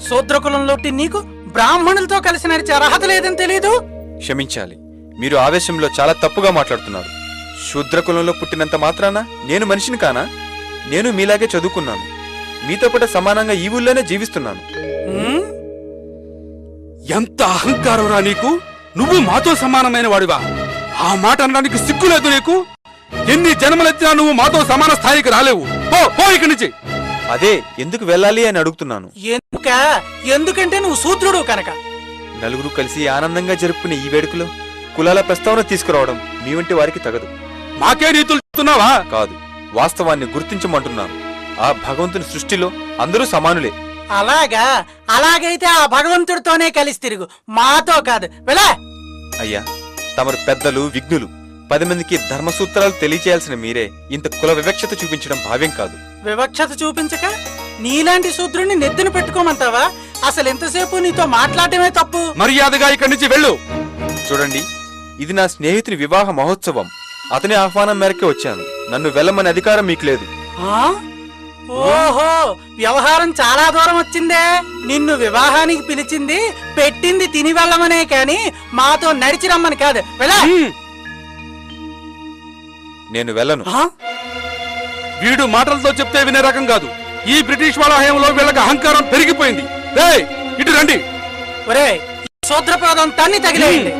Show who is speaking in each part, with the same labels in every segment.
Speaker 1: శూద్రకులంలోటి నీకు బ్రాహ్మణులతో కలిసి నడిచే అర్హత లేదని తెలీదు?
Speaker 2: క్షమించాలి, మీరు ఆవేశంలో చాలా తప్పుగా మాట్లాడుతున్నారు. శూద్రకులంలో పుట్టినంత మాత్రాన నేను మనిషిని కానా? నేను మీలాగే చదువుకున్నాను, మీతో పాటు సమానంగా ఈ ఊళ్ళోనే జీవిస్తున్నాను.
Speaker 3: ఎంత అహంకారం రా నీకు! నువ్వు మాతో సమానమైన వాడివా? ఆ మాట అనడానికి సిగ్గులేదు నీకు? ఎన్ని జన్మలెత్తినా నువ్వు మాతో సమాన స్థాయికి రాలేవు. పో ఇక్కడి నుంచి.
Speaker 2: అదే ఎందుకు వెళ్ళాలి అని అడుగుతున్నాను.
Speaker 1: ఎందుకంటే నువ్వు శూద్రుడు కనుక.
Speaker 2: నలుగురు కలిసి ఆనందంగా జరుపుకునే ఈ వేడుకలో కులాల ప్రస్తావన తీసుకురావడం మీ వంటి వారికి తగదు.
Speaker 3: మాకే నీతులు చెప్తున్నావా?
Speaker 2: కాదు, వాస్తవాన్ని గుర్తించమంటున్నాను. ఆ భగవంతుని సృష్టిలో అందరూ సమానులే.
Speaker 1: అలాగా? అలాగైతే ఆ భగవంతుడితోనే కలిసి తిరుగు, మాతో కాదు. వెళ్ళా.
Speaker 2: అయ్యా, తమరు పెద్దలు, విఘ్నులు. 10 మందికి ధర్మసూత్రాలు తెలియచేయాల్సిన మీరే ఇంత కుల వివక్షత చూపించడం భావ్యం కాదు.
Speaker 1: వివక్షత చూపించక నీలాంటి శూద్రుణ్ణి నెత్తిన పెట్టుకోమంటావా? అసలు ఎంతసేపు నీతో మాట్లాడటమే తప్పు.
Speaker 3: మర్యాదగా ఇక్కడి నుంచి వెళ్ళు.
Speaker 2: చూడండి, ఇది నా స్నేహితుని వివాహ మహోత్సవం. అతని ఆహ్వానం మేరకే వచ్చాను. నన్ను వెళ్ళమని అధికారం మీకు లేదు.
Speaker 1: ఓహో, వ్యవహారం చాలా దూరం వచ్చిందే. నిన్ను వివాహానికి పిలిచింది పెట్టింది తిని వెళ్ళమనే కాని మాతో నడిచి రమ్మని కాదు. వెళ్ళా.
Speaker 2: నేను వెళ్ళను.
Speaker 3: వీడు మాటలతో చెప్తే వినే రకం కాదు. ఈ బ్రిటిష్ వాళ్ళ హయాంలో వీళ్ళకి అహంకారం పెరిగిపోయింది. ఇటు రండి.
Speaker 1: ఒరే, శూద్రపాదం తన్ని తగిలేయండి.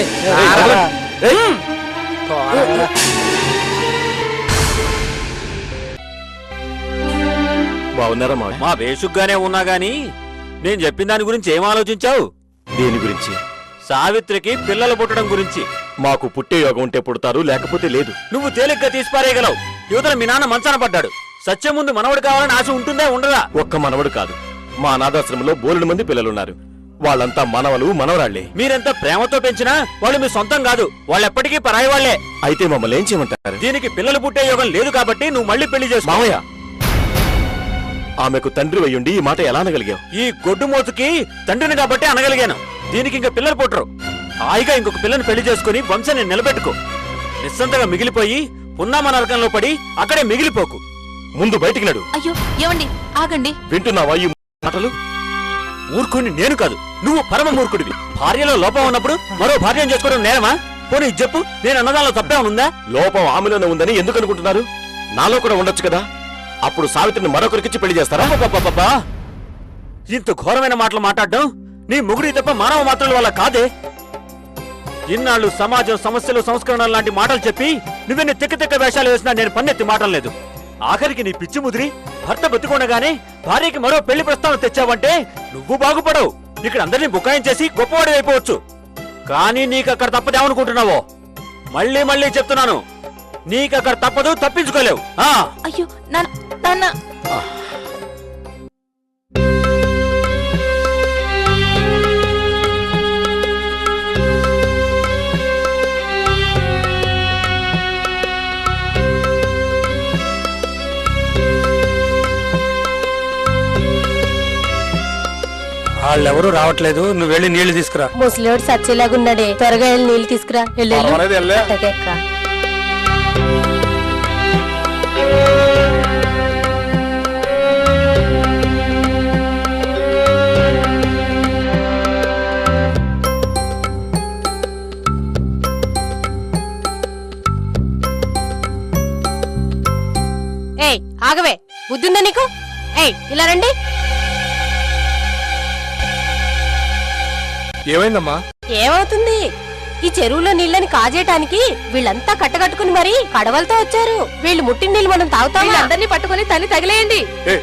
Speaker 4: బాగున్నారా?
Speaker 5: మా బేసుగ్గానే ఉన్నా గాని నేను చెప్పిన దాని గురించి ఏం ఆలోచించావు?
Speaker 4: దేని గురించి?
Speaker 5: సావిత్రికి పిల్లలు పుట్టడం గురించి.
Speaker 4: మాకు పుట్టే యోగం ఉంటే పుడతారు, లేకపోతే లేదు.
Speaker 5: నువ్వు తేలిగ్గా తీసిపారేయగలవు. యువతల మీ నాన్న మంచాన పడ్డాడు. సత్యం ముందు మనవడు కావాలని ఆశ ఉంటుందే ఉండదా?
Speaker 4: ఒక్క మనవడు కాదు, మా అనాథాశ్రమంలో బోలెడు మంది పిల్లలున్నారు. వాళ్ళంతా మనవలు, మనవరాళ్లే.
Speaker 5: మీరెంత ప్రేమతో పెంచినా వాళ్ళు మీ సొంతం కాదు. వాళ్ళెప్పటికీ పరాయి వాళ్లే.
Speaker 4: అయితే మమ్మల్ని ఏం చేయమంటారు?
Speaker 5: దీనికి పిల్లలు పుట్టే యోగం లేదు కాబట్టి నువ్వు మళ్ళీ పెళ్లి చేసుకో.
Speaker 4: మావయ్య, ఆమెకు తండ్రి అయ్యుండి ఈ మాట ఎలా అనగలిగావు?
Speaker 5: ఈ గొడ్డు మోతుకి తండ్రిని కాబట్టి అనగలిగాను. దీనికి ఇంకా పిల్లలు పుట్టరు. హాయిగా ఇంకొక పిల్లని పెళ్లి చేసుకుని వంశాన్ని నిలబెట్టుకో. నిస్సంతగా మిగిలిపోయి పున్నామ నరకంలో పడి అక్కడే మిగిలిపోకు.
Speaker 4: ముందు బయటికి నడు.
Speaker 6: అయ్యో, ఏమండి, ఆగండి.
Speaker 4: వింటున్నావా ఈ మాటలు?
Speaker 5: మూర్ఖుడిని నేను కాదు, నువ్వు పరమ మూర్ఖుడివి. భార్యలో లోపం ఉన్నప్పుడు మరో భార్యను చేసుకోవడం నేరమా? పోనీ చెప్పు, నేను అన్నదానిలో తప్పేమనుందా?
Speaker 4: లోపం ఆమెలోనే ఉందని ఎందుకు అనుకుంటున్నారు? నాలో కూడా ఉండొచ్చు కదా. అప్పుడు సావిత్రిని మరొకరికిచ్చి పెళ్లి చేస్తారా?
Speaker 5: ఇంత ఘోరమైన మాటలు మాట్లాడడం నీ ముగుడి తప్ప మానవ మాత్రల వల్ల కాదే. ఇన్నాళ్ళు సమాజం సమస్యలు సంస్కరణలు లాంటి మాటలు చెప్పి నువ్వెన్ని తిక్క వేషాలు వేసినా నేను పన్నెత్తి మాటలేదు. ఆఖరికి నీ పిచ్చి ముదిరి భర్త బతికొనగానే భార్యకి మరో పెళ్లి ప్రస్తావన తెచ్చావంటే నువ్వు బాగుపడవు. ఇక్కడ అందరినీ బుకాయం చేసి గొప్పవాడి అయిపోవచ్చు. కానీ నీకక్కడ తప్పదేమనుకుంటున్నావో? మళ్ళీ మళ్ళీ చెప్తున్నాను, నీకక్కడ తప్పదు, తప్పించుకోలేవు.
Speaker 6: అయ్యో నాన్న.
Speaker 3: వాళ్ళెవరూ రావట్లేదు, నువ్వు వెళ్ళి నీళ్లు తీసుకురా.
Speaker 6: ముసలివాడు సచ్చేలాగున్నాడే, త్వరగా వెళ్ళి నీళ్లు తీసుకురా. ఏయ్, ఆగవే, బుద్ధుందా నీకు? ఏయ్, ఇలా రండి.
Speaker 3: ఏమైందమ్మా?
Speaker 6: ఏమవుతుంది? ఈ చెరువులో నీళ్ళని కాజేయటానికి వీళ్ళంతా కట్టకట్టుకుని మరి కడవలతో వచ్చారు. వీళ్ళు ముట్టిన నీళ్ళు మనం తాగుతామా? అందరినీ పట్టుకుని తల్లి తగిలేయండి.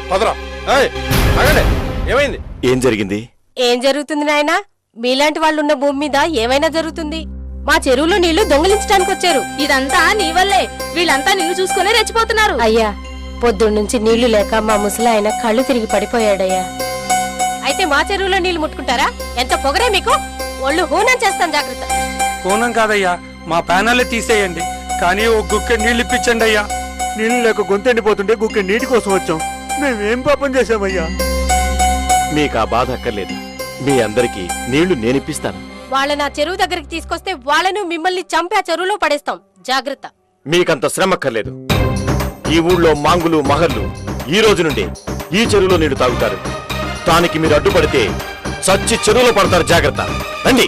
Speaker 4: ఏం జరిగింది?
Speaker 6: ఏం జరుగుతుంది నాయనా? మీలాంటి వాళ్ళున్న భూమి మీద ఏమైనా జరుగుతుంది. మా చెరువులో నీళ్లు దొంగిలించడానికి వచ్చారు. ఇదంతా నీ వల్లే. వీళ్ళంతా నిన్ను చూసుకునే రెచ్చిపోతున్నారు. అయ్యా, పొద్దున్నుంచి నీళ్లు లేక మా ముసలి ఆయన కళ్ళు తిరిగి పడిపోయాడయ్యా. అయితే మా చెరువులో నీళ్లు ముట్టుకుంటారా? ఎంత పొగరే మీకు! ఒళ్ళు హూనం చేస్తాం, జాగ్రత్త.
Speaker 3: హూనం కాదయ్యా, మా ప్యానెల్ తీసేయండి, కానీ ఓ గుక్కె నీళ్ళు ఇప్పించండి అయ్యా.
Speaker 4: నీళ్ళు లేక గొంతెండిపోతుంటే గుక్కె నీటి కోసం వచ్చాం. మేమేం పాపం చేశామయ్యా? మీకు ఆ బాధ అక్కర్లేదు. మీ అందరికీ నీళ్లు నేనిప్పిస్తాను.
Speaker 6: వాళ్ళని ఆ చెరువు దగ్గరికి తీసుకొస్తే వాళ్ళను మిమ్మల్ని చంపి ఆ చెరువులో పడేస్తాం, జాగ్రత్త.
Speaker 4: మీకంత శ్రమక్కర్లేదు. ఈ ఊళ్ళో మాంగులు మహర్లు ఈ రోజు నుండి ఈ చెరువులో నీళ్లు తాగుతారు. దానికి మీరు అడ్డుపడితే చచ్చి చెరువులో పడతారు. జాగ్రత్త. రండి.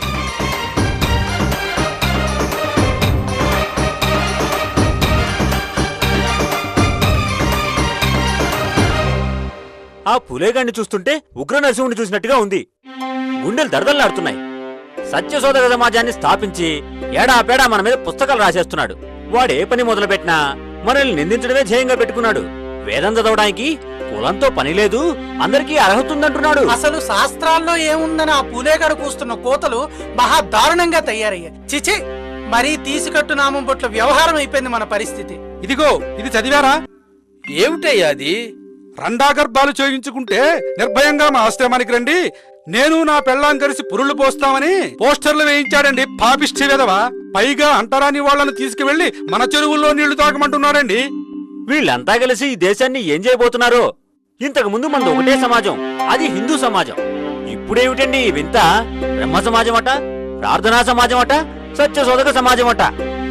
Speaker 5: ఆ పులేగాన్ని చూస్తుంటే ఉగ్ర నరసింహుని చూసినట్టుగా ఉంది. గుండెలు దడదల్లాడుతున్నాయి. సత్యశోధక సమాజాన్ని స్థాపించి ఏడాపేడా మన మీద పుస్తకాలు రాసేస్తున్నాడు. వాడే పని మొదలుపెట్టినా మనల్ని నిందించడమే ధ్యేయంగా పెట్టుకున్నాడు. వేదం చదవడానికి కులంతో పని లేదు, అందరికీ అర్హత ఉందంటున్నాడు.
Speaker 1: అసలు శాస్త్రాల్లో ఏముందని ఆ పూలేగాడు కూస్తున్న కోతలు మహా దారుణంగా తయారయ్యాయి. చిచి, మరీ తీసుకట్టు నామం పట్ల వ్యవహారం అయిపోయింది మన పరిస్థితి.
Speaker 3: ఇదిగో ఇది చదివారా?
Speaker 7: ఏమిటయ్యా అది?
Speaker 3: రండాగర్భాలు చేయించుకుంటే నిర్భయంగా మా ఆశ్రమానికి రండి, నేను నా పెళ్ళాం కలిసి పురుళ్ళు పోస్తామని పోస్టర్లు వేయించాడండి పాపిష్టి వెధవ. పైగా అంటరాని వాళ్లను తీసుకువెళ్లి మన చెరువుల్లో నీళ్లు తాగమంటున్నారండి.
Speaker 5: వీళ్ళంతా కలిసి ఈ దేశాన్ని ఏం చేయబోతున్నారో. ఇంతకు ముందు మనది ఒకటే సమాజం, అది హిందూ సమాజం. ఇప్పుడేమిటండి ఈ వింత? బ్రహ్మ సమాజం అట, ప్రార్థనా సమాజం అట, సత్యశోధక సమాజం అట.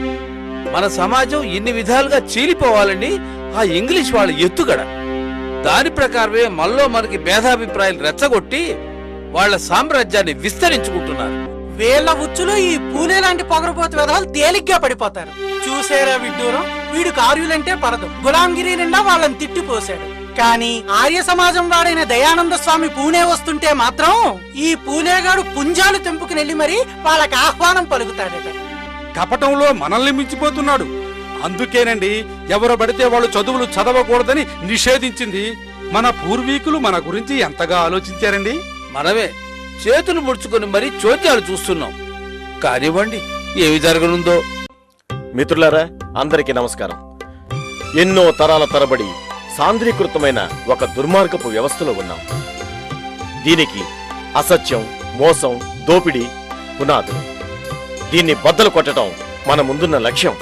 Speaker 7: మన సమాజం ఇన్ని విధాలుగా చీలిపోవాలని ఆ ఇంగ్లీష్ వాళ్ళ ఎత్తుగడ. దాని ప్రకారమే మనలో మనకి భేదాభిప్రాయాలు రెచ్చగొట్టి వాళ్ళ సామ్రాజ్యాన్ని విస్తరించుకుంటున్నారు.
Speaker 1: వేళ్ల ఉచ్చులో ఈ పూలే లాంటి పొగరపోతు వెధవలు తేలిగ్గా పడిపోతారు. చూసేరా విడ్డూరం, వీడు కార్యులంటే పడదు. గులాంగిరి నిండా వాళ్ళని తిట్టిపోశాడు. కానీ ఆర్య సమాజం వాడైన దయానంద స్వామి పూణే వస్తుంటే మాత్రం ఈ పూలేగాడు పుంజాలు తెంపుకునెళ్లి మరి వాళ్ళకి ఆహ్వానం పలుకుతాడట.
Speaker 3: కపటంలో మనల్ని మించిపోతున్నాడు. అందుకేనండి ఎవరు పడితే వాళ్ళు చదువులు చదవకూడదని నిషేధించింది. మన పూర్వీకులు మన గురించి ఎంతగా ఆలోచించారండి.
Speaker 7: మనమే చేతులు ముడుచుకొని మరీ చోద్యాలు చూస్తున్నాం. కానివ్వండి, ఏమి జరగనుందో.
Speaker 4: మిత్రులారా, అందరికీ నమస్కారం. ఎన్నో తరాల తరబడి సాంద్రీకృతమైన ఒక దుర్మార్గపు వ్యవస్థలో ఉన్నాం. దీనికి అసత్యం, మోసం, దోపిడీ పునాదులు. దీన్ని బద్దలు కొట్టడం మన ముందున్న లక్ష్యం.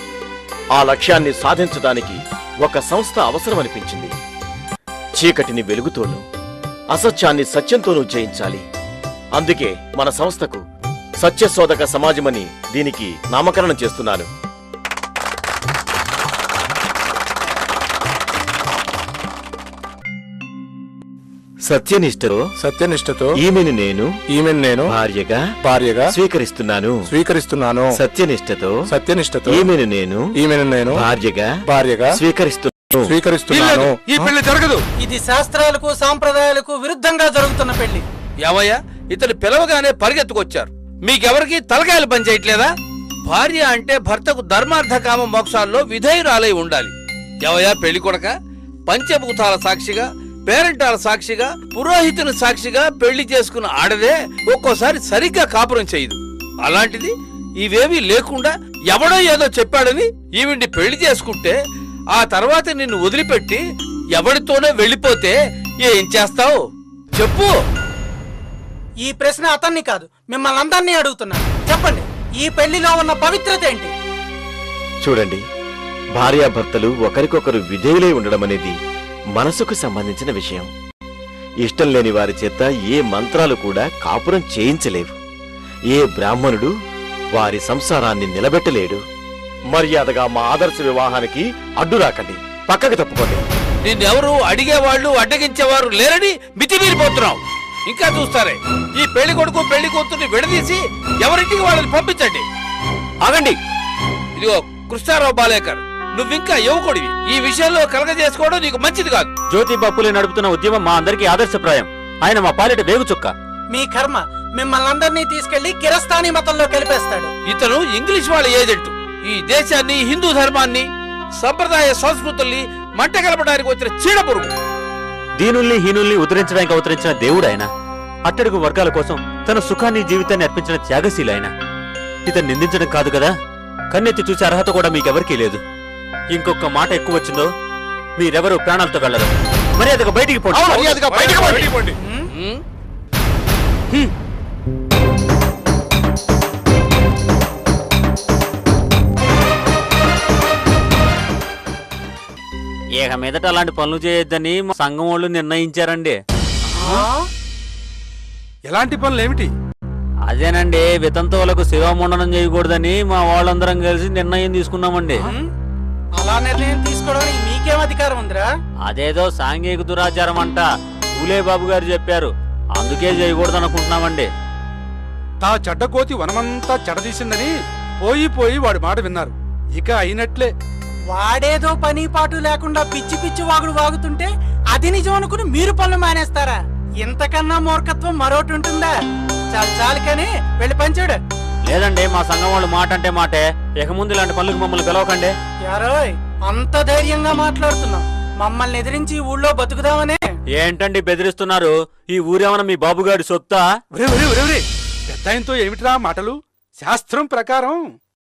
Speaker 4: ఆ లక్ష్యాన్ని సాధించడానికి ఒక సంస్థ అవసరమనిపించింది. చీకటిని వెలుగుతోనూ, అసత్యాన్ని సత్యంతోనూ జయించాలి. అందుకే మన సంస్థకు సత్యశోధక సమాజమని దీనికి నామకరణం చేస్తున్నాను. సత్యనిష్టతో ఈమెను నేను భార్యగా స్వీకరిస్తున్నాను. సత్యనిష్టతో ఈమెను నేను భార్యగా స్వీకరిస్తున్నాను.
Speaker 3: ఈ పెళ్లి జరగదు.
Speaker 1: ఇది శాస్త్రాలకు సాంప్రదాయాలకు విరుద్ధంగా జరుగుతున్న పెళ్లి.
Speaker 7: ఏమయ్యా, ఇతను పిలవగానే పరిగెత్తుకొచ్చారు. మీకెవరికి తలకాయలు పనిచేయట్లేదా? భార్య అంటే భర్తకు ధర్మార్థ కామ మోక్షాల్లో విధేయురాలై ఉండాలి. ఏమయ్యా పెళ్లి కొడక, పంచభూతాల సాక్షిగా, పేరెంటాల సాక్షిగా, పురోహితుని సాక్షిగా పెళ్లి చేసుకున్న ఆడదే ఒక్కోసారి సరిగ్గా కాపురం చేయదు. అలాంటిది ఇవేమీ లేకుండా ఎవడో ఏదో చెప్పాడని ఈవిడ్ని పెళ్లి చేసుకుంటే ఆ తర్వాత నిన్ను వదిలిపెట్టి ఎవడితోనే వెళ్ళిపోతే ఏం చేస్తావు చెప్పు?
Speaker 1: ఈ ప్రశ్న అతన్ని కాదు, మిమ్మల్ని అందరినీ అడుగుతున్నాను. చెప్పండి, ఈ పెళ్లిలో ఉన్న పవిత్రత ఏంటి?
Speaker 4: చూడండి, భార్యాభర్తలు ఒకరికొకరు విధేయులై ఉండడం అనేది మనసుకు సంబంధించిన విషయం. ఇష్టం లేని వారి చేత ఏ మంత్రాలు కూడా కాపురం చేయించలేవు. ఏ బ్రాహ్మణుడు వారి సంసారాన్ని నిలబెట్టలేడు. మర్యాదగా మా ఆదర్శ వివాహానికి అడ్డు రాకండి, పక్కకు తప్పుకోండి.
Speaker 7: నిన్నెవరు అడిగేవాళ్ళు అడ్డగించేవారు లేరని మితిమీరిపోతున్నావు. ఇంకా చూస్తారే, ఈ పెళ్లి కొడుకు పెళ్లి కూతుర్ని విడదీసి ఎవరింటికి వాళ్ళని పంపించండి.
Speaker 5: ఆగండి.
Speaker 7: ఇదిగో కృష్ణారావు బాలేకర్, నువ్వింకా యువకుడివి. ఈ విషయంలో కలగజేసుకోవడం నీకు మంచిది కాదు.
Speaker 5: జ్యోతిబా పూలే నడుపుతున్న ఉద్యమం మా అందరికీ ఆదర్శప్రాయం. ఆయన మా పాలిట వేగు చుక్క.
Speaker 1: మీ కర్మ, మిమ్మల్ని అందరినీ తీసుకెళ్లి కిరస్తానీ మతంలో కలిపేస్తాడు.
Speaker 7: ఇతను ఇంగ్లీష్ వాళ్ళ ఏజెంట్. ఈ దేశాన్ని, హిందూ ధర్మాన్ని, సంప్రదాయ సంస్కృతుల్ని మంట కలపడానికి వచ్చిన చీడపురుగు.
Speaker 5: దీనుల్ని హీనుల్ని ఉద్ధరించడానికి అవతరించిన దేవుడు ఆయన. అట్టడుగు వర్గాల కోసం తన సుఖాన్ని జీవితాన్ని అర్పించిన త్యాగశీల ఆయన. ఇతను నిందించడం కాదు కదా, కన్నెత్తి చూసే అర్హత కూడా మీకెవరికీ లేదు. ఇంకొక మాట ఎక్కువ వచ్చిందో మీరెవరూ ప్రాణాలతో వెళ్ళరు. మర్యాదగా బయటికి పోండి. ఇక మీదట అలాంటి పనులు చేయొద్దని మా సంఘం వాళ్ళు నిర్ణయించారండి.
Speaker 3: ఎలాంటి పనులు ఏమిటి?
Speaker 5: అదేనండి, వితంతువులకు శివముండనం చేయకూడదని మా వాళ్ళందరం కలిసి నిర్ణయం తీసుకున్నామండి.
Speaker 1: అలా నిర్ణయం తీసుకోవడానికి మీకేం అధికారం ఉందిరా?
Speaker 5: అదేదో సాంఘిక దురాచారం అంట. పూలే బాబు గారు చెప్పారు, అందుకే చేయకూడదు అనుకుంటున్నామండి.
Speaker 3: తా చెడ్డకోతి వనమంతా చెడదీసిందని పోయి పోయి వాడి మాట విన్నారు. ఇక అయినట్లే.
Speaker 1: వాడేదో పని పాటు లేకుండా పిచ్చి పిచ్చి వాగుడు వాగుతుంటే అది నిజం అనుకుని మీరు పనులు మానేస్తారా? ఇంతకన్నా మూర్ఖత్వం మరోటి ఉంటుందా? చాలు చాలు కానీ వెళ్ళి పంచాడు.
Speaker 5: లేదండి, మా సంఘం వాళ్ళు మాట అంటే మాటే. ఇక ముందు ఇలాంటి పనులకు మమ్మల్ని పిలవకండి.
Speaker 1: యారోయ్, అంత ధైర్యంగా మాట్లాడుతున్నాం. మమ్మల్ని ఎదిరించి ఈ ఊళ్ళో బతుకుదామనే.
Speaker 5: ఏంటండి బెదిరిస్తున్నారు? ఈ ఊరేమన్నా మీ బాబుగారి సొత్తా?
Speaker 3: ఒరే ఒరే ఒరే ఒరే, పెద్దాయంతో ఏమిటిరా మాటలు? శాస్త్రం ప్రకారం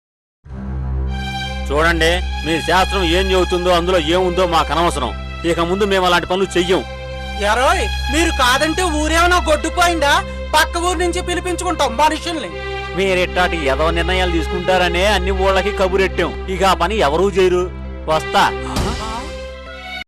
Speaker 5: చూడండి, మీ శాస్త్రం ఏం చెబుతుందో అందులో ఏముందో మాకు అనవసరం. ఇక ముందు మేము అలాంటి పనులు చెయ్యం.
Speaker 1: యారోయ్, మీరు కాదంటే ఊరేమన్నా గొడ్డుపోయిందా? పక్క ఊరు నుంచి పిలిపించుకుంటాం మనుషుల్ని.
Speaker 5: మీరెట్టాటి ఏదో నిర్ణయాలు తీసుకుంటారనే అన్ని ఊళ్ళకి కబురెట్టాం. ఇక ఆ పని ఎవరూ చేయరు. వస్తా.